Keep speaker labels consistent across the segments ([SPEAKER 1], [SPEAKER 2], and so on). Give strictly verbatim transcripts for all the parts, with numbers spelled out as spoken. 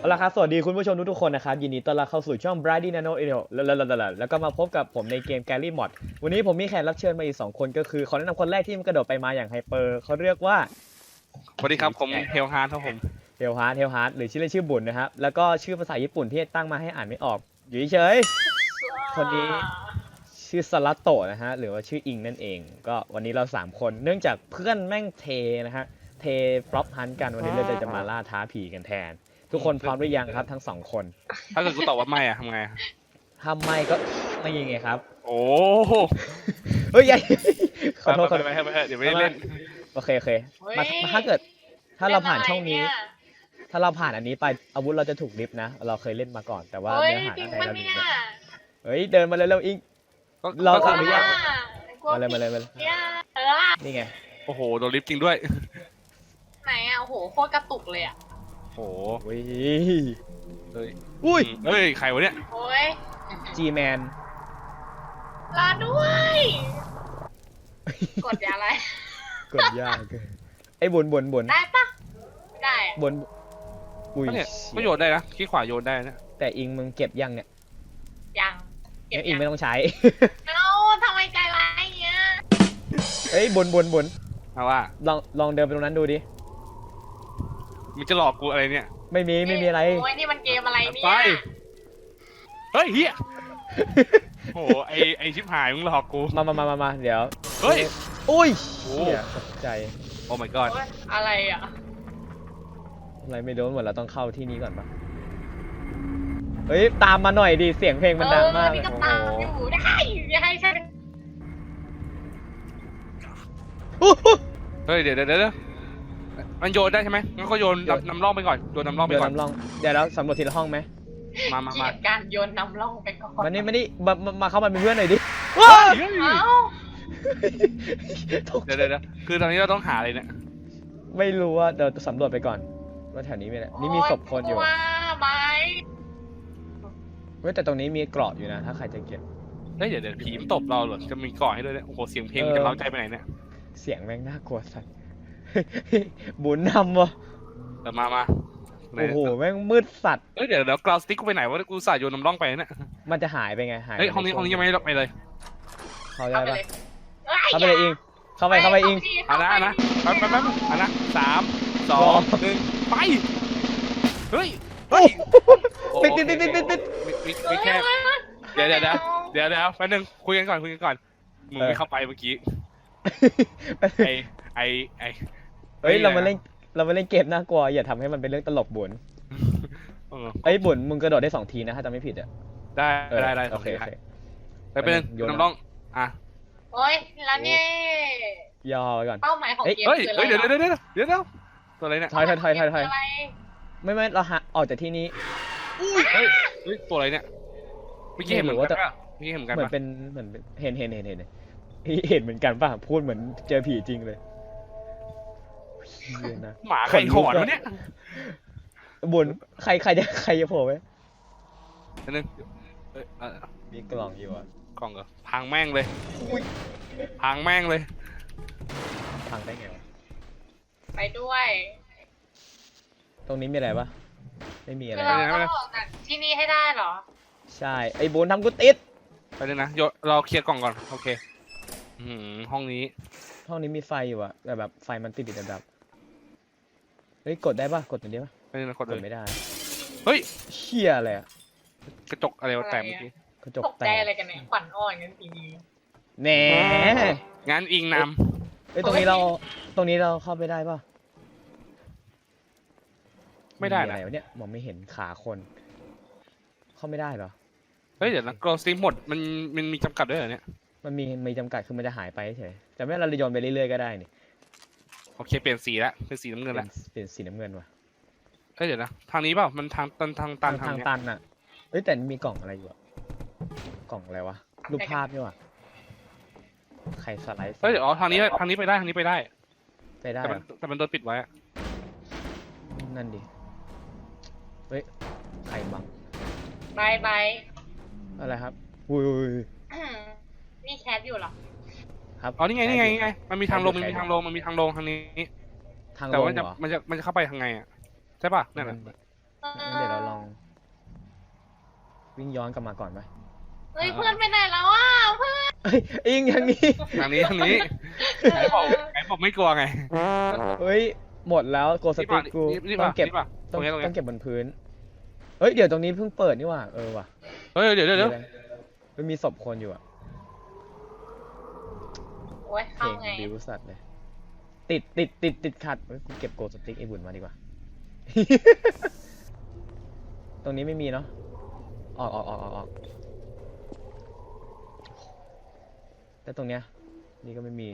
[SPEAKER 1] ละครับสวัสดีคุณผู้ชมทุกๆคนนะครับยินดีต้อนรับเข้าสู่ช่อง Brady Nano Audio แล้วแล้วก็มาพบกับผมในเกม Gary Mod วันนี้ผมมีแขกรับเชิญมาอีกสองคนก็คือขอแนะนำคนแรกที่มันกระโดดไปมาอย่างไฮเปอร์เขาเรียกว่า
[SPEAKER 2] สวัสดีครับผมเฮลฮาร์ดครับผม
[SPEAKER 1] เฮลฮาร์ดเฮลฮาร์ดหรือชื่อเล่นชื่อบุญนะครับแล้วก็ชื่อภาษาญี่ปุ่นที่ตั้งมาให้อ่านไม่ออกอยู่เฉยคนนี้ชื่อสลัตโตะนะฮะหรือว่าชื่ออิงนั่นเองก็วันนี้เราสามคนเนื่องจากเพื่อนแม่งเทนะฮะเทฟล็อปฮันกันวันนี้เราจะมาล่าท้าผีกันแทนทุกคนพร้อมหรือยังครับทั้งสองคน
[SPEAKER 2] ถ้าเกิดกูตอบว่าไม่อะทำไง
[SPEAKER 1] ทำไม่ก็ไม่ยังไงครับ
[SPEAKER 2] โอ้
[SPEAKER 1] เฮ้ยขอโทษขอโทษ
[SPEAKER 2] ไปไปเดี๋ยวไม่เล่น
[SPEAKER 1] โอเคโอเคมาถ้าเกิดถ้าเราผ่านช่องนี้ถ้าเราผ่านอันนี้ไปอาวุธเราจะถูกลิฟต์นะเราเคยเล่นมาก่อนแต่ว่าเนื้อหาในเราลิฟต์เฮ้ยเดินมาเร็วๆอิงเราขออนุญาตมาเลยมาเลยมาเลยนี่ไง
[SPEAKER 2] โอ้โหโดนลิฟต์จริงด้วย
[SPEAKER 3] ไหนอ่ะโอ้โหโคตรกระตุกเลยอ่ะ
[SPEAKER 2] โอ้โห
[SPEAKER 1] เฮ้ยอุ้ย
[SPEAKER 2] เฮ้ยใครวะเนี่ย
[SPEAKER 3] โอ้ย
[SPEAKER 1] จีแมน
[SPEAKER 3] ลาด้วยกดยาอะไร
[SPEAKER 1] กดยากไอ้บนบนบน
[SPEAKER 3] ได้ปะไม่ได้
[SPEAKER 1] บนอุ้ย
[SPEAKER 2] ก็โยนได้นะขี้ขวาโยนได้นะ
[SPEAKER 1] แต่อิงมึงเก็บยังเนี่ย
[SPEAKER 3] ยัง
[SPEAKER 1] เก็บอิงไม่ต้องใช้
[SPEAKER 3] เอ้าทำไมใจร้ายเงี้ย
[SPEAKER 1] เฮ้ยบนบนบน
[SPEAKER 2] เอาว่า
[SPEAKER 1] ลองลองเดินไปตรงนั้นดูดิ
[SPEAKER 2] มึงจะหลอกกูอะไรเนี่ย
[SPEAKER 1] ไม่มีไม่มีอะไร
[SPEAKER 3] โอ้ยนี่มันเกมอะไรเนี่ย
[SPEAKER 2] ไปเฮ้ยเฮียโอ้ไอไอชิบหายมึงหลอกกู
[SPEAKER 1] มามามามามาเดี๋ยว
[SPEAKER 2] เฮ้ย
[SPEAKER 1] อุ้ยเฮียตกใจ
[SPEAKER 2] โอ้ my god
[SPEAKER 3] อะไรอ่ะ
[SPEAKER 1] อะไรไม่รู้หมดเราต้องเข้าที่นี้ก่อนปะเฮ้ยตามมาหน่อยดิเสียงเพลงมันดังมาก
[SPEAKER 3] เลยโอ้โหอยู่ได้อย่าให้ฉัน
[SPEAKER 2] เฮ้ยเดี๋ยวเดี๋ยวเดี๋ยวมันโยนได้ใช่ไหมงั้นก็โยนนำร่องไปก่อนโยนนำร่องไปก่อน
[SPEAKER 1] นำร่องเดี๋ยวเราสำรวจทีละห้องไหม
[SPEAKER 2] มามามา
[SPEAKER 3] การโยนนำร่องไปก่อน
[SPEAKER 1] มานี่มานี่มามาเข้ามาเป็นเพื่อนหน่อยดิ
[SPEAKER 3] ว้าว
[SPEAKER 2] เดี๋ยวเดี๋ยวคือตอนนี้เราต้องหาอะไรเนี่ย
[SPEAKER 1] ไม่รู้ว่าเดี๋ยวสำรวจไปก่อนว่าแถวนี้มีอะไรนี่มีศพคนอยู่
[SPEAKER 3] ว้าไหม
[SPEAKER 1] เว้ยแต่ตรงนี้มีเกราะอยู่นะถ้าใครจะเก็บ
[SPEAKER 2] เฮ้ยเดี๋ยวเดี๋ยวผีมันตบเราเหรอจะมีเกราะให้ด้วยเนี่ยโอ้โหเสียงเพลงจะเล้าใจไปไหนเนี่ย
[SPEAKER 1] เสียงแม่งน่ากลัวสัสบุญนำวะ
[SPEAKER 2] แต่มามา
[SPEAKER 1] โอ้โหแม่งมืดสัตว์
[SPEAKER 2] เฮ้ยเดี๋ยวเดี๋ยวกราวสติ๊กกูไปไหนวะกูใส่โยนน้ำร่องไปเนี่ย
[SPEAKER 1] มันจะหายไปไงหาย
[SPEAKER 2] เฮ้ยห้องนี้ห้องนี้ยังไม่ได้ไปเลย
[SPEAKER 1] เข้าได้ปะเข้าไปเลยอิงเข้าไปเข้าไปอิง
[SPEAKER 2] อ่ะนะนะแป๊บแป๊บแป๊บอ่ะนะสามสองหนึ่งไปเฮ้ยเฮ้ย
[SPEAKER 1] ปิดปิดปิดปิดปิดปิด
[SPEAKER 2] ปิดแค่เดี๋ยวเดี๋ยวเดี๋ยวเดี๋ยวแป๊บนึงคุยกันก่อนคุยกันก่อนมึงไม่เข้าไปเมื่อกี้ไอไอไอ
[SPEAKER 1] เฮ้ยเรามาเล่นเรามาเล่นเกมน่ากลัวอย่าทำให้มันเป็นเรื่องตลกบุญไอ้บุญมึงกระโดดได้สองทีนะถ้าจำไม่ผิดอ่ะ
[SPEAKER 2] ได้ได้ได้
[SPEAKER 1] โอเคโอเค
[SPEAKER 2] ไปเป็นน้ำร่องอ่ะ
[SPEAKER 3] โอ้ยแล้วนี่
[SPEAKER 1] ย่อไปก่อน
[SPEAKER 3] เป้าหมายของเกมคืออะไร
[SPEAKER 2] เฮ้ยเดี๋ยวเดี๋ยวเดี๋ยวเดี๋ยวเดี๋ยวตัวอะไรเนี่ย
[SPEAKER 1] ถอยถอยถอยถอยถอยไม่ไม่เราหาออกจากที่นี้
[SPEAKER 2] เฮ้ยเฮ้ยตัวอะไรเนี่ยเมื่อกี้เห็นเหมือนกันป่ะเมื่อกี้เห็นเหมือนกัน
[SPEAKER 1] เหมือนเป็นเหมือนเห็นเห็นเห็นเห็นเห็นเหมือนกันป่ะพูดเหมือนเจอผีจริงเลย
[SPEAKER 2] หมาใครหอนวะเนี่ย
[SPEAKER 1] บุญใครใครจะใครจะโผล่ไหม
[SPEAKER 2] นึง
[SPEAKER 1] มีกล่องอยู่อ่ะ
[SPEAKER 2] กล่องเหรอพังแม่งเลยพังแม่งเลย
[SPEAKER 1] พังได้ไงวะ
[SPEAKER 3] ไปด้วย
[SPEAKER 1] ตรงนี้มีอะไรปะไม่มีอะไร
[SPEAKER 3] เราต้องออกจากที่นี่ให้ได้เหรอ
[SPEAKER 1] ใช่ไอ้บุญทำกูติด
[SPEAKER 2] ไปเลยนะเราเคลียร์กล่องก่อนโอเคห้องนี้
[SPEAKER 1] ห้องนี้มีไฟอยู่อะแต่แบบไฟมันติดติดแบบเฮ้ยกดได้ปะกดตัวนี้ปะ
[SPEAKER 2] ไม่ได้กด
[SPEAKER 1] ไม่ได้
[SPEAKER 2] เฮ้ย
[SPEAKER 1] เชี่ยอะไรอะ
[SPEAKER 2] กระจกอะไรแตกเมื่อกี้
[SPEAKER 1] กระจก
[SPEAKER 3] แตกอะไรกันเนี่ยขวัญอ่อนกันทีนี้
[SPEAKER 1] แหน่
[SPEAKER 2] งานอิงน
[SPEAKER 1] ำเฮ้ยตรงนี้เราตรงนี้เราเข้าไปได้ปะ
[SPEAKER 2] ไม่ได้
[SPEAKER 1] อะไรวะเนี่ยมองไม่เห็นขาคนเข้าไม่ได้เหรอ
[SPEAKER 2] เฮ้ยเดี๋ยวนะกรอสติมหมดมันมันมีจำกัดด้วยเหรอเนี่ย
[SPEAKER 1] มันมีมีจำกัดคือมันจะหายไปเฉยแต่ไม่เราโยนไปเรื่อยๆก็ได้นี่
[SPEAKER 2] โอเคเปลี่ยนสีแล้วเป็นสีน้ำเงินแล้ว
[SPEAKER 1] เปลี่ยนสีน้ำเงินว่ะ
[SPEAKER 2] เฮ้ยเดี๋ยวนะทางนี้เปล่ามันทางตันทางตัน
[SPEAKER 1] ทางตันอ่ะเฮ้ยแต่มีกล่องอะไรอยู่กล่องอะไรวะรูปภาพนี่วะใครสไลด์
[SPEAKER 2] เฮ้ยอ๋อทางนี้ทางนี้ไปได้ทางนี้ไปได้
[SPEAKER 1] ไปได้
[SPEAKER 2] แต่มันโดนปิดไว้
[SPEAKER 1] นั่นดิเฮ้ยใครบัง
[SPEAKER 3] บายบาย
[SPEAKER 1] อะไรครับอุ้ย
[SPEAKER 3] นี่แคสอยู่หรอ
[SPEAKER 1] ครับ
[SPEAKER 2] อ๋อนี่ไงนี่ไงนี่ไงมันมีทางลงมันมีทางลงมันมีทางลงทางนี้แต่ว่าจะมันจะมันจะเข้าไปทางไงอ่ะใช่ป่ะนั่นแหละ
[SPEAKER 3] เออ
[SPEAKER 1] งั้นเดี๋ยวเราลอง วิ่งย้อนกลับมาก่อนไหม
[SPEAKER 3] เฮ้ยเพื่อนไปไหนแล้วอ่ะเพื่อน
[SPEAKER 1] เอ้ยอิงอย่างนี้
[SPEAKER 2] ทางนี้ทางนี้ไหนบอกไหนบอกไม่กลัวไง
[SPEAKER 1] เฮ้ย หมดแล้วโกส
[SPEAKER 2] นี่
[SPEAKER 1] ติ
[SPEAKER 2] ป่ะ
[SPEAKER 1] กกู
[SPEAKER 2] นี่
[SPEAKER 1] ต้อ
[SPEAKER 2] ป่ะ
[SPEAKER 1] งเก็บ
[SPEAKER 2] นี่ป่ะต
[SPEAKER 1] ต้
[SPEAKER 2] ร
[SPEAKER 1] อง
[SPEAKER 2] งนี้ตรง
[SPEAKER 1] ต้อ
[SPEAKER 2] นี้
[SPEAKER 1] งเก็บบนพื้น เฮ้ย เดี๋ยวตรงนี้เพิ่งเปิดนี่หว่า เออว่ะ
[SPEAKER 2] เฮ้ยเดี๋ยวเดี๋ยวเดี๋ยว
[SPEAKER 1] มีอะไรมันมีศพคนอยู่อะ
[SPEAKER 3] โอ้ย
[SPEAKER 1] เพ
[SPEAKER 3] เข้า
[SPEAKER 1] ลง
[SPEAKER 3] ไง
[SPEAKER 1] บิวสัตว์เลย ติดติดติดติดขัดเฮ้ยกูเก็บโกสติกไอ้บุญมาดีกว่า ตรงนี้ไม่มีเนาะ ออกออกออกออกออกแต่ตรงเนี้ย นี่ก็ไม่มี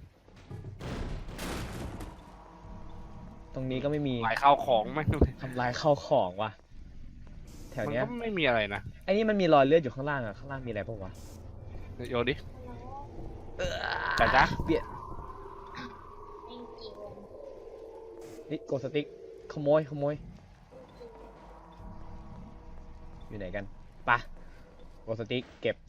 [SPEAKER 1] ตรงนี้ก็ไม่มี
[SPEAKER 2] หลายข้าวของไหม
[SPEAKER 1] ทำลายข้าวของว่ะ แถว
[SPEAKER 2] มัน
[SPEAKER 1] เนี้ย
[SPEAKER 2] ก็ไม่มีอะไรนะ
[SPEAKER 1] ไอ้นี่มันมีรอยเลือดอยู่ข้างล่างอะข้างล่างมีอะไรปะวะ
[SPEAKER 2] โยนดิแต่จ้ะ
[SPEAKER 1] เบียด
[SPEAKER 3] จริง
[SPEAKER 1] นี่โกสติกขโมยขโมย อยู่ไหนกันปะโกสติกเก็บ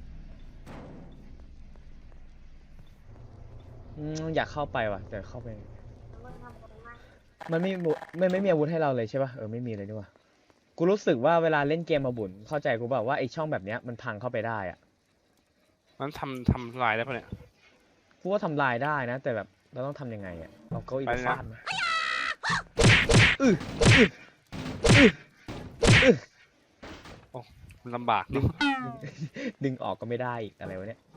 [SPEAKER 1] อืมอยากเข้าไปว่ะแต่เข้าไป
[SPEAKER 3] ๆมึงทำบุญมาก
[SPEAKER 1] มันไม่มีมันไม่มีอาวุธให้เราเลยใช่ป่ะเออไม่มีเลยนี่หว่ากูรู้สึกว่าเวลาเล่นเกมมาบุญเข้าใจกูแบบว่าไอช่องแบบเนี้ยมันพังเข้าไปได้อะ
[SPEAKER 2] มันทำทำลายได้ปะเนี่ย
[SPEAKER 1] กูว่าทำลายได้นะ แต่แบบเราต้องทำยังไงอะเอาเก้าอี้ไป
[SPEAKER 2] ไปนะ
[SPEAKER 1] ฟาดไหมอื้ออื้ออื้ออื้อ
[SPEAKER 2] มันลำบาก
[SPEAKER 1] ดึงดึงออกก็ไม่ได้อีกอะไรวะเนี่ย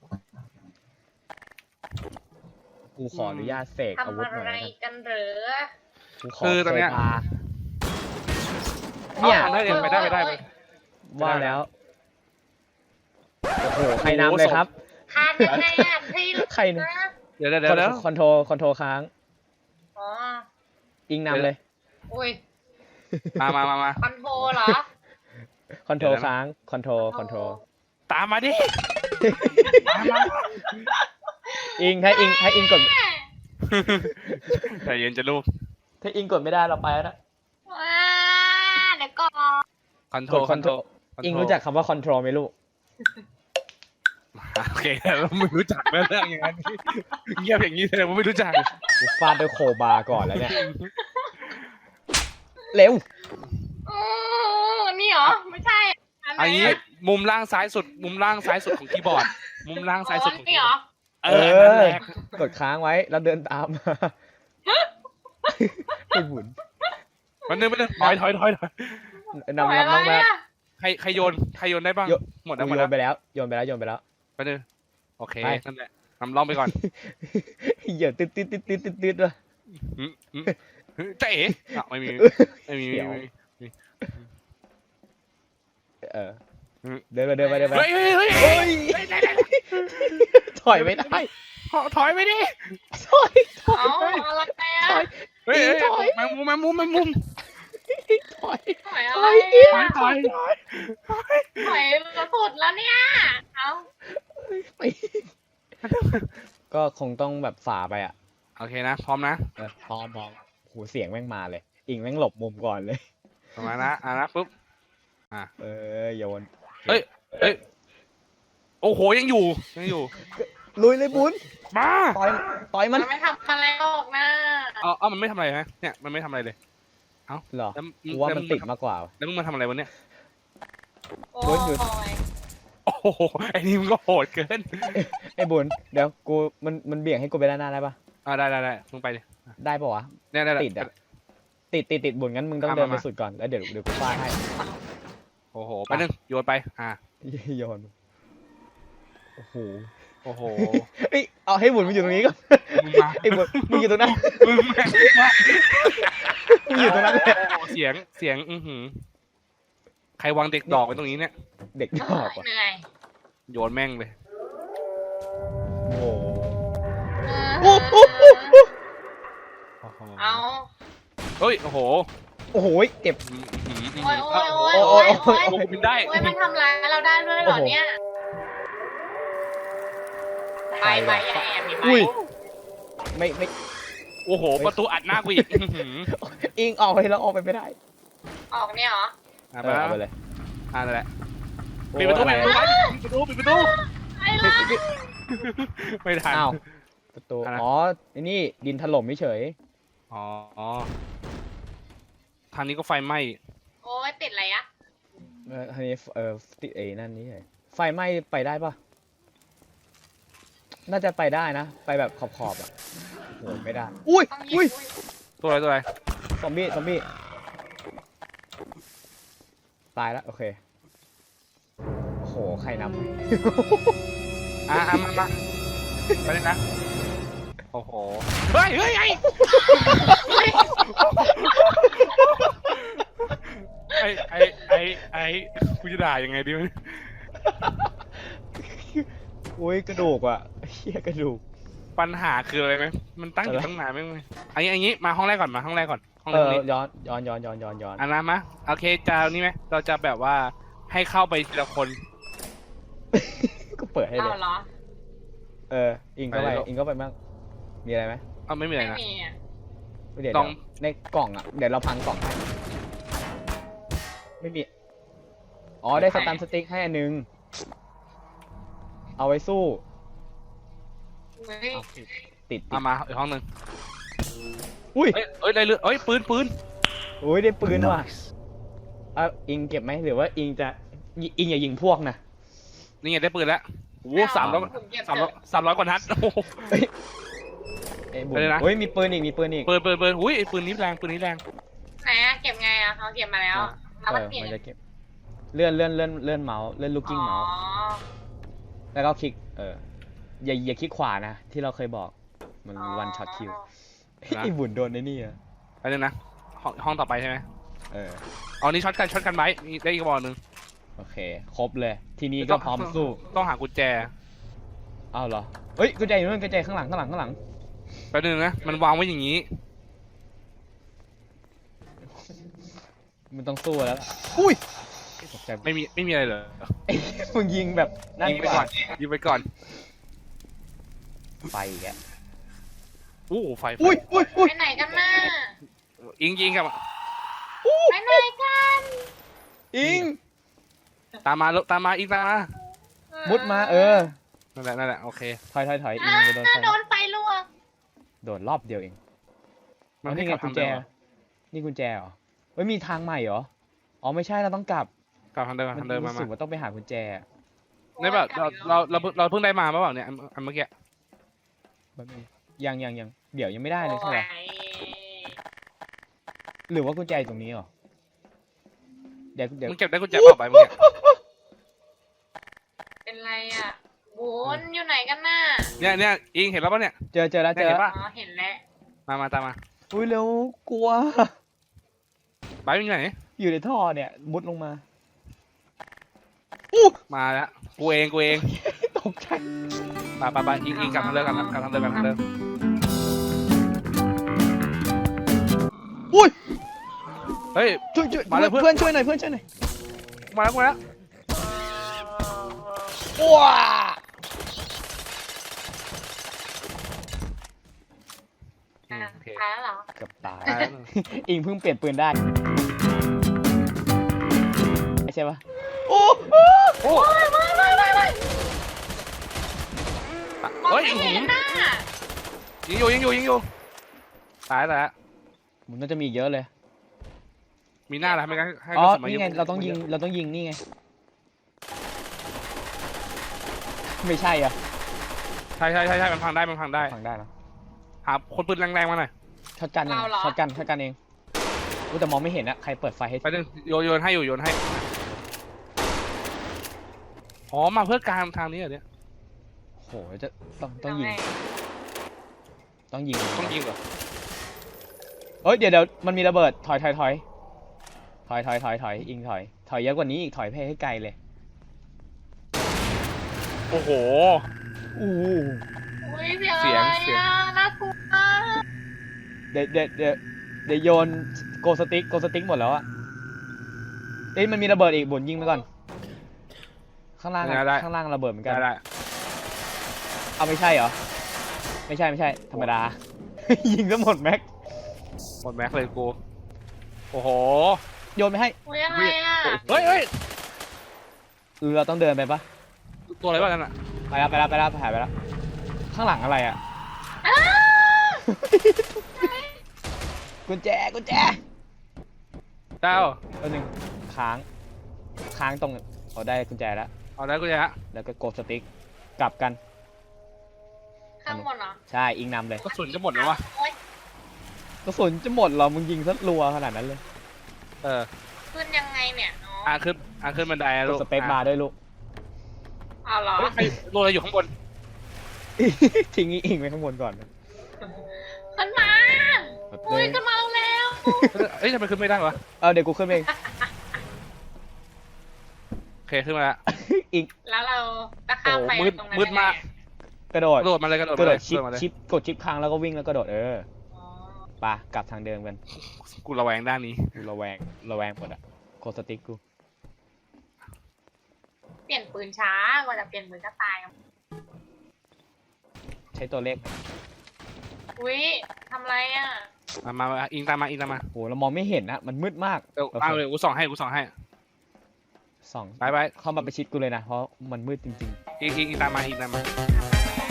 [SPEAKER 1] กูขออนุญาตเสกอาวุ
[SPEAKER 3] ทำ
[SPEAKER 1] ธหน่อย
[SPEAKER 3] อะไร
[SPEAKER 1] แล้วกัน
[SPEAKER 3] กันเหรอ
[SPEAKER 1] กูขอ
[SPEAKER 2] คือตอนเนี้ย
[SPEAKER 1] โซฟาเนี่ย
[SPEAKER 2] อาได้ดิไปได้ไปได้ไป
[SPEAKER 1] ว่าแล้ว โอ้โห ใครนำเลยครับ
[SPEAKER 3] ทานยังไงอ่ะพี่
[SPEAKER 1] ใครน
[SPEAKER 3] นะ
[SPEAKER 2] เดี๋ยวเดี๋ยวเดี๋ยวเดี๋ยว
[SPEAKER 1] คอนโทรคอนโทรค้าง
[SPEAKER 3] อ๋อ
[SPEAKER 1] อิงนำเลย
[SPEAKER 3] อุ้ย
[SPEAKER 2] มามามามา
[SPEAKER 3] คอนโทรเหรอ
[SPEAKER 1] คอนโทร
[SPEAKER 2] เดี๋ยวนะ
[SPEAKER 1] ค้าง คอนโทร คอนโทร
[SPEAKER 2] ตามมาดิตามมา
[SPEAKER 1] อิง ถ้าอิง ถ้าอิงกด
[SPEAKER 2] ใจเย็นจะลูก
[SPEAKER 1] ถ้าอิงกดไม่ได้เราไปแล้วนะ
[SPEAKER 3] ว้าเดี๋ยวก่อน
[SPEAKER 2] คอนโท
[SPEAKER 1] ก
[SPEAKER 2] ร
[SPEAKER 1] ด
[SPEAKER 2] คอนโทร
[SPEAKER 1] อิงรู้จักคำว่าคอนโทรไหมลูก
[SPEAKER 2] โอเคเราไม่รู้จักแล้วเรื่องอย่างนั้นเงียบอย่างนี้แสดงว่าไม่รู้จัก
[SPEAKER 1] กูฟาดด้วยโคบาก่อนแล้วเนี่ย เร็ว
[SPEAKER 3] อือนี่เหรอ ไม่ใช่ อันไหน
[SPEAKER 2] อันนี้
[SPEAKER 3] อะ
[SPEAKER 2] มุมล่างซ้ายสุด มุมล่างซ้ายสุดของคีย์บอร์ด มุมล่างซ้ายสุดของ
[SPEAKER 3] นี่
[SPEAKER 2] คีย์
[SPEAKER 3] เห
[SPEAKER 2] บ
[SPEAKER 3] ร
[SPEAKER 2] อ
[SPEAKER 3] อ
[SPEAKER 2] ร์ดเออนั่นแหละ
[SPEAKER 1] กดค้างไว้แล้วเดินตามมา ไอ้บุญ
[SPEAKER 2] มันนึงมันนึงถอยถอยถอยถอย
[SPEAKER 1] นำนำน้องแม่
[SPEAKER 2] ใครใครโยนใครโยนได้บ้าง
[SPEAKER 1] โย
[SPEAKER 2] หมดแล้วหม
[SPEAKER 1] โย
[SPEAKER 2] ดแล้ว
[SPEAKER 1] นไปแล้ว โยนไปแล้ว โยนไปแล้ว
[SPEAKER 2] ไปนึงโอเค
[SPEAKER 1] ไป
[SPEAKER 2] นั่นแหละนำล่องไปก่อน
[SPEAKER 1] เหยียดติดติดติดติดติดติดว่ะ
[SPEAKER 2] อืมอืมเจ๊อ่ะไม่มีไม่มี
[SPEAKER 1] เดี๋ยว
[SPEAKER 2] ไม่มี
[SPEAKER 1] เออ เดินไปเดินไปเดินไป
[SPEAKER 2] เฮ้ยเฮ้ยเฮ้ย
[SPEAKER 1] โอ้ยถอยไม่ได้
[SPEAKER 2] ถอยไปดิ
[SPEAKER 1] ถอยถอย
[SPEAKER 3] เอาอะไรอ่ะ
[SPEAKER 2] เฮ้ย
[SPEAKER 1] ถอย
[SPEAKER 2] แมงมุมแมงมุมแมงมุม
[SPEAKER 1] ถอย
[SPEAKER 3] ถอยอะ
[SPEAKER 1] ถ
[SPEAKER 3] ไร
[SPEAKER 1] อย
[SPEAKER 3] อ่ะ
[SPEAKER 2] ถอยถอยถอย
[SPEAKER 3] ถอยมาสุดแล้วเนี่ย เอา
[SPEAKER 1] ไปก็คงต้องแบบฝ่าไปอ่ะ
[SPEAKER 2] โอเคนะพร้อมนะ
[SPEAKER 1] เออพร้อมพร้อมโหเสียงแม่งมาเลย อิงแม่งหลบมุมก่อนเลย
[SPEAKER 2] ประมาณนะอ่ะนะปุ๊บ
[SPEAKER 1] เออโยน
[SPEAKER 2] เฮ้ยเฮ้ยโอ้โหยังอยู่ยังอยู่
[SPEAKER 1] ลุยเลยบุญ
[SPEAKER 2] มา
[SPEAKER 1] ต่อยต่อยมัน
[SPEAKER 3] มันไม่ทำอะไรหรอกนะ
[SPEAKER 2] เอาเอามันไม่ทำอะไรฮะเนี่ยมันไม่ทำอะไรเลย
[SPEAKER 1] เหรอ
[SPEAKER 2] แล้ว
[SPEAKER 1] กูว่ามันติดมากกว่า
[SPEAKER 2] แล้วมึงมาทำอะไรวะเนี่ย
[SPEAKER 3] โอ้
[SPEAKER 1] โอ้ยหยุด
[SPEAKER 3] ย
[SPEAKER 2] โอ้โหไอ้นี่มึงก็โหดเกิน
[SPEAKER 1] ไอ้บุญเดี๋ยวกูมันมันเบี่ยงให้กูไปด้านหน้าได้ปะ
[SPEAKER 2] อ่าได้ได้ได้มึงไปดิ
[SPEAKER 1] ได้ปะวะ
[SPEAKER 2] เนี่ยได้
[SPEAKER 1] ติดอ่ะติดติดติดบุญงั้นมึงต้อง
[SPEAKER 2] มา
[SPEAKER 1] เดินไป
[SPEAKER 2] มา
[SPEAKER 1] สุดก่อนแล้วเดี๋ยวเดี๋ยวกูฟาดให้
[SPEAKER 2] โอ้โหไปนึงโยนไปอ่า
[SPEAKER 1] โยนโอ้โห
[SPEAKER 2] โอ้โห
[SPEAKER 1] เอ้ยเอาให้บุญมาอยู่ตรงนี้ก่อน
[SPEAKER 2] มึงมา
[SPEAKER 1] ไอ้บุญมึงอยู่ตรงนั้น
[SPEAKER 2] มึงมา
[SPEAKER 1] มึงอยู่ตรงนั้นเลย
[SPEAKER 2] โอ้โหเสียงเสียงอือหือใครวางเด็กดอกไว้ตรงนี้เนี่ย
[SPEAKER 1] เด็กดอกว่ะ
[SPEAKER 3] เหนื่อย
[SPEAKER 2] โยนแม่งเลย
[SPEAKER 1] โอ้โห
[SPEAKER 3] เออ
[SPEAKER 1] โอ้โห
[SPEAKER 2] โอ้โห
[SPEAKER 3] เอา
[SPEAKER 2] เฮ้ยโอ้โห
[SPEAKER 1] โอ้โหเจ็บ
[SPEAKER 2] อืมอืมอืม
[SPEAKER 3] โอ้ยโอ้ย
[SPEAKER 2] โอ้
[SPEAKER 3] โอ้
[SPEAKER 2] โห
[SPEAKER 3] ย
[SPEAKER 1] โอ้
[SPEAKER 3] โอ้ย
[SPEAKER 1] ย
[SPEAKER 3] โอ้ย
[SPEAKER 2] บินได้
[SPEAKER 3] โอ้ยมันทำร้ายเราได้ด้วยเหรอเนี่ย ไปไปอย่าแอบดิไป
[SPEAKER 1] อุ้ยไม่ไม่
[SPEAKER 2] โอ้โหประตูอัดหน้ากูอีกอื้อหือ
[SPEAKER 1] อิงออกไปแล้วออกไปไม่ได้
[SPEAKER 3] ออกเนี่ยเหรอ
[SPEAKER 2] อ่ะ
[SPEAKER 1] เอ
[SPEAKER 2] ไป
[SPEAKER 1] อ
[SPEAKER 2] แล้ว
[SPEAKER 1] เอาไปเลย
[SPEAKER 2] อ่ะนั่นแหละ
[SPEAKER 1] โอ้
[SPEAKER 2] ปิดประตู
[SPEAKER 1] อะไร
[SPEAKER 2] ปิดประตูปิดประตูปิดประตู
[SPEAKER 3] ไอ้ล่ะ
[SPEAKER 2] ไม่ทัน
[SPEAKER 1] อ้าวประตู
[SPEAKER 2] อะไร
[SPEAKER 1] อ๋อไอ้นี่ดินถล่มไม่เฉย
[SPEAKER 2] อ๋ออ๋อทางนี้ก็ไฟไหม้
[SPEAKER 3] โอ้ยติดอะไรอะ
[SPEAKER 1] เออทีนี้เออติดเอนั่นนี่ไงไฟไหม้ไปได้ปะน่าจะไปได้นะ ไปแบบขอบๆอ่ะโหไม่ได้ อุ้ย
[SPEAKER 3] ต้องยิง
[SPEAKER 1] อุ้ย
[SPEAKER 3] อุ้ย
[SPEAKER 2] ตัวอะไรตัวอะไร
[SPEAKER 1] ซอมบี้ซอมบี้ตายแล้วโอเคโอ้โหใครนำ
[SPEAKER 2] อ่ะอ่ะมามาไปเลยนะโอ้โหเฮ้ยเฮ้ยไอ้ไอ้ไอ้ไอ้ไอ้กูจะด่ายังไงดีวะเนี่ย
[SPEAKER 1] อุ้ยกระดูกอ่ะเฮียกระดูก
[SPEAKER 2] ปัญหาคืออะไรไหมมันตั้งอยู่
[SPEAKER 1] อะไร
[SPEAKER 2] ตั้งนานไม่ไหมอันนี้อันนี้มาห้องแรกก่อนมาห้องแรกก่อนห้อง
[SPEAKER 1] เอ
[SPEAKER 2] แรก
[SPEAKER 1] อ
[SPEAKER 2] นี้
[SPEAKER 1] ย้อนย้อนย้อนย้อนย้อนย้อน
[SPEAKER 2] อันนั้นมะโอเคจะเอานี่ไหมเราจะแบบว่าให้เข้าไปทีละคน
[SPEAKER 1] ก็เปิดให้เล
[SPEAKER 3] เอา
[SPEAKER 1] ย
[SPEAKER 3] เหรอ
[SPEAKER 1] เอออิงก็ไป
[SPEAKER 2] ไปเลย
[SPEAKER 1] อิงก็ไปบ้างมีอะไรไหม
[SPEAKER 2] เอาไม่มีอะไร
[SPEAKER 3] ไม่
[SPEAKER 2] นะ
[SPEAKER 3] มีอะ
[SPEAKER 1] เดี๋ยว
[SPEAKER 2] กล่อง
[SPEAKER 1] เดี๋ยวในกล่องอ่ะเดี๋ยวเราพังกล่องให้ไม่มีอ๋อได้สตันสติ๊กให้อันนึงเอาไว้สู้
[SPEAKER 3] เฮ้ย
[SPEAKER 2] เอา
[SPEAKER 1] ติดติด
[SPEAKER 2] เอามาอีกห้องหนึ่ง
[SPEAKER 1] อุ้ย
[SPEAKER 2] เอ้ยเอ้ยได้เลือดเอ้ยปืนปืน
[SPEAKER 1] อุ้ยได้ปืนว่ะเอาอิงเก็บไหมหรือว่าอิงจะอิงอย่ายิงพวกนะ
[SPEAKER 2] นี่ไงได้ปืนแล้วโอ้โหสามร้อย
[SPEAKER 3] ผมเก็บ
[SPEAKER 2] สาม
[SPEAKER 3] เถ
[SPEAKER 2] ร้อย
[SPEAKER 3] อะ
[SPEAKER 2] สามร้อยกว่านัดโอ้โห
[SPEAKER 1] เอ้ยไอ้บุ๋ม
[SPEAKER 2] ไปเลยนะ
[SPEAKER 1] เฮ้ยมีปืนอีกมีปืนอีก
[SPEAKER 2] ปืนปืนปืนอุ้ยไอ้ปืนนี้แรงปืนนี้แรง
[SPEAKER 3] ไหนอะเก็บไงอะเขาเก็บมาแล้ว
[SPEAKER 2] อ่ะ
[SPEAKER 3] เรา
[SPEAKER 1] เอ
[SPEAKER 3] ก็
[SPEAKER 1] อ
[SPEAKER 3] เปลี่ยน
[SPEAKER 1] มันจะเก็บเลื่อนเลื่อนเลื่อนเลื่อนเมาส์เลื่อนลูกกิ้ง
[SPEAKER 3] อ๋อ
[SPEAKER 1] เมาส์แล้วก็คลิกเอออย่าอย่าคลิกขวานะที่เราเคยบอกมันวันช็อตคิวไอ้บุญโดนในนี่อ่ะ
[SPEAKER 2] ไปเลยนะห้องห้องต่อไปใช่ไหม
[SPEAKER 1] เออ
[SPEAKER 2] อ๋อนี่ช็อตกันช็อตกันไว้มีได้อีกบอลหนึ่ง
[SPEAKER 1] โอเค ครบเลย ทีนี้ก็พร้อมสู้
[SPEAKER 2] ต้องหากุญแจ
[SPEAKER 1] อ้าวเหรอเฮ้ยกุญแจอยู่นู่นกุญแจข้างหลังข้างหลังข้างหลัง
[SPEAKER 2] ไปหนึ่งนะมันวางไว้อย่างนี้
[SPEAKER 1] มันต้องสู้แล้วล่ะอุ้ยตกใจ
[SPEAKER 2] ไม่มีไม่มีอะไรเลย
[SPEAKER 1] ไอ้มึงยิงแบบนั่น
[SPEAKER 2] ยิงไป
[SPEAKER 1] ก
[SPEAKER 2] ก่อ
[SPEAKER 1] ว่าน
[SPEAKER 2] ยิงไปก่อน
[SPEAKER 1] ไฟอีกอ่ะ
[SPEAKER 2] โอ้โหไฟไฟ
[SPEAKER 1] อุ้ยอุ้ยอุ้ย
[SPEAKER 3] ไปไหนกันน่ะ
[SPEAKER 2] ยิงยิงกับ
[SPEAKER 3] ไปไหนกัน
[SPEAKER 1] อิง
[SPEAKER 2] ตามมาลูกตามมาอีกตามมา
[SPEAKER 1] มุดมาเออ
[SPEAKER 2] นั่นแหละนั่นแหละโอเค
[SPEAKER 1] ถอยถอยถอยอิ
[SPEAKER 3] อ่าง
[SPEAKER 1] ไปโดนไฟ
[SPEAKER 3] โดนไฟลวก
[SPEAKER 1] โดนรอบเดียวเอง
[SPEAKER 2] มัน
[SPEAKER 1] อ๋อ
[SPEAKER 2] ให้
[SPEAKER 1] นี่
[SPEAKER 2] ก
[SPEAKER 1] ไง
[SPEAKER 2] ลับ
[SPEAKER 1] กุญ
[SPEAKER 2] ทาง
[SPEAKER 1] แจ
[SPEAKER 2] เดิมเหรอ
[SPEAKER 1] นี่กุญแจเหรอเฮ้ยมีทางใหม่เหรออ๋อไม่ใช่เราต้องกลับ
[SPEAKER 2] กลับทางเดิม
[SPEAKER 1] มัน
[SPEAKER 2] ทางเดิมมา
[SPEAKER 1] รู้
[SPEAKER 2] มา
[SPEAKER 1] สึกว่าต้องไปหากุญแจ
[SPEAKER 2] ได้แบบเราเราเราเพิ่งเราเพิ่งได้มาเปล่าเนี่ยอันอันเมื่อกี้
[SPEAKER 1] แบบนี้ยังยังยังเดี๋ยวยังไม่ได้เลยใช่ไหม
[SPEAKER 3] โอ้ย
[SPEAKER 1] หรือว่ากุญแจอยู่ตรงนี้เหรอเดี๋ยวเดี๋ยว
[SPEAKER 2] มึงเก็บได้กุญแจเปล่าไปเมื่อกี้
[SPEAKER 3] เป็นไรอะบุญอยู่ไหนกันน่ะ
[SPEAKER 2] เนี่ยเนี่ยอิงเห็นแล้วป่ะเนี่ย
[SPEAKER 1] เจอเจอแล้วเจอ
[SPEAKER 2] เห็
[SPEAKER 1] แล้ว
[SPEAKER 2] นปะ
[SPEAKER 3] อ๋อเห็นแล้ว
[SPEAKER 2] มามาตามมา
[SPEAKER 1] อุ้ยเร็วกลัว
[SPEAKER 2] ไปอยู่ไหน
[SPEAKER 1] อยู่ในท่อเนี่ยมุดลงมา
[SPEAKER 2] มาแล้วกูเองกูเอง
[SPEAKER 1] ตกใจ
[SPEAKER 2] มาไปไปอิงอิงกลับทางเดิมกันกลับทางเดิมกันทางเดิม
[SPEAKER 1] อุ้ย
[SPEAKER 2] เฮ้ย
[SPEAKER 1] ช่วยช่วย
[SPEAKER 2] มาเลยเพื่อน
[SPEAKER 1] เพื่อนช่วยหน่อยเพื่อนช่วยหน่อย
[SPEAKER 2] มาแล้วมาแล้ว
[SPEAKER 1] ว้า
[SPEAKER 2] อืม
[SPEAKER 3] อ่ะ
[SPEAKER 2] โอเค
[SPEAKER 3] ตายแล้วเหรอ
[SPEAKER 1] เกือบตาย
[SPEAKER 2] ตายแล้ว
[SPEAKER 1] อิงเพิ่งเปลี่ยนปืนได้ใช่ปะโอ้
[SPEAKER 2] โอ้
[SPEAKER 3] ไม่ไม่ไม่ไม่ไม่มอง
[SPEAKER 2] เฮ้ย
[SPEAKER 3] ไม่
[SPEAKER 2] ยิง
[SPEAKER 3] เห็นน่ะ
[SPEAKER 2] อยู่ยิงอยู่ยิงอยู่ตายแล้ว
[SPEAKER 1] มันน่าจะมีอีกเยอะเลย
[SPEAKER 2] มีหน้าแล้วไม่งั้นให้
[SPEAKER 1] อ๋อก
[SPEAKER 2] ระสุนมา
[SPEAKER 1] นี่ไง
[SPEAKER 2] เยอะ
[SPEAKER 1] เราต้องยิงเราต้องยิงนี่ไงไม่ใช่อ่ะ
[SPEAKER 2] ใช่ใช่ใช่ใช่มันพังได้มันพังได้
[SPEAKER 1] ฟังได้แล้ว
[SPEAKER 2] หาคนปืนแรงๆมาหน่อย
[SPEAKER 1] ช็อตกันเองช็อตกันช็อตกันเองกูแต่มองไม่เห็นอะใครเปิดไฟให้
[SPEAKER 2] ไปหนึ่งโยนโยนให้อยู่โยนให้อ๋อมาเพื่อการทางนี้เหรอเนี่ย
[SPEAKER 1] โหจะต้องต้องยิง ต้องยิง
[SPEAKER 2] ต้องยิงเหรอ
[SPEAKER 1] เอ้ยเดี๋ยวเดี๋ยวมันมีระเบิดถอยถอยถอยถอยถอยถอยถอยอิงถอยถอยเยอะกว่านี้อีกถอยไปให้ไกลเลย
[SPEAKER 2] โอ้โห
[SPEAKER 1] อู้
[SPEAKER 3] อุ้ยเสียง
[SPEAKER 2] เสียง
[SPEAKER 3] อะไร
[SPEAKER 2] เสียง
[SPEAKER 3] อ่ะน่ากลัวมาก
[SPEAKER 1] เดี๋ยวเดี๋ยวเดี๋ยวเดี๋ยวโยนโกสติ๊กโกสติ๊กหมดแล้วอะเอ้ยมันมีระเบิดอีกบุญยิงไปก่อนข้างล่างอะ
[SPEAKER 2] ได้
[SPEAKER 1] ข้างล่างระเบิดเหมือนกัน
[SPEAKER 2] ได้ได้
[SPEAKER 1] เอาไม่ใช่เหรอไม่ใช่ไม่ใช่ธรรมดา ยิงซะหมดแม็ก
[SPEAKER 2] หมดแม็กเลยกูโอ้โห
[SPEAKER 1] โยนไปให้
[SPEAKER 3] อุ้ยอะไรอ่ะ
[SPEAKER 2] เฮ้ยเฮ้ย
[SPEAKER 1] หรือเราต้องเดินไปปะ
[SPEAKER 2] ตัวอะไรบ้างนั่นอ่ะ
[SPEAKER 1] ไปแล้วไปแล้วไปแล้วหายไปแล้วข้างหลังอะไรอะ
[SPEAKER 3] อ้า
[SPEAKER 1] กุญแจกุญแจ
[SPEAKER 2] เจ้า
[SPEAKER 1] แป๊บนึงค้างค้างตรงเอาได้กุญแจแล้ว
[SPEAKER 2] เอาได้กูจะฮะ
[SPEAKER 1] แล้วก็กดสติ๊กกลับกัน
[SPEAKER 3] ข้างบนเหรอ
[SPEAKER 1] ใช่อิงนำเลย
[SPEAKER 2] กระสุนจะหมดแล้ววะ
[SPEAKER 3] โอ๊ย
[SPEAKER 1] กระสุนจะหมดเหรอมึงยิงซะรัวขนาดนั้นเลย
[SPEAKER 2] เออ
[SPEAKER 3] ขึ้นยังไงเนี่ยอ๋อ
[SPEAKER 2] อ่ะขึ้นอ่ะขึ้นบันไดอะ
[SPEAKER 1] ก
[SPEAKER 2] ลู
[SPEAKER 1] ด
[SPEAKER 2] ก
[SPEAKER 1] สเปคบาร์ด้วยลูก
[SPEAKER 3] เอาเหรอ
[SPEAKER 2] เฮ้ยใครโรยอะไรอยู่ข้างบน
[SPEAKER 1] ทิ้งอีอิงไว้ข้างบนก่อน
[SPEAKER 3] ขึ้นมาอุ้ยขึ้นมาแล้ว
[SPEAKER 2] เอ้ยทำไมขึ้นไม่ได้วะ
[SPEAKER 1] เอาเดี๋ยวกูขึ้นไปเอง
[SPEAKER 2] โอเคขึ้นมาแล้ว
[SPEAKER 1] อิง
[SPEAKER 3] แล้วเราจะข้ามไป
[SPEAKER 2] โอ้โหมืด
[SPEAKER 3] ตรงนั้น
[SPEAKER 2] มืดมาก
[SPEAKER 1] กระโดด
[SPEAKER 2] กระโดดมาเลยกระโดด
[SPEAKER 1] กระ
[SPEAKER 2] มา
[SPEAKER 1] โด
[SPEAKER 2] เล
[SPEAKER 1] ด
[SPEAKER 2] ย
[SPEAKER 1] ชิป
[SPEAKER 2] กระโดดมาเลย
[SPEAKER 1] ชิปกดชิปค้างแล้วก็วิ่งแล้วกระโดดเออ
[SPEAKER 3] อ๋อ
[SPEAKER 1] ไปกลับทางเดิมกัน
[SPEAKER 2] กูระแวงด้านนี้
[SPEAKER 1] กูระแวงระแวงหมดอะกดสติ๊กกู
[SPEAKER 3] เปลี่ยนปืนช้ากว่าจะเปลี่ยนปืนก็ตาย
[SPEAKER 1] ใช้ตัวเลข
[SPEAKER 3] อุ้ยทำไรอ่ะ
[SPEAKER 2] มามามาอิงตามมาอิงตามมา
[SPEAKER 1] โหเรามองไม่เห็นนะมันมืดมาก
[SPEAKER 2] เดี๋ยว
[SPEAKER 1] โอเค
[SPEAKER 2] เอาเลยกูส่องให้กูส่องให้
[SPEAKER 1] ส่อง
[SPEAKER 2] ไปไป
[SPEAKER 1] เข้ามาไปชิดกูเลยนะเพราะมันมืดจริง
[SPEAKER 2] อิงอิงอิงตามมาอิงตามมา
[SPEAKER 3] ทำไร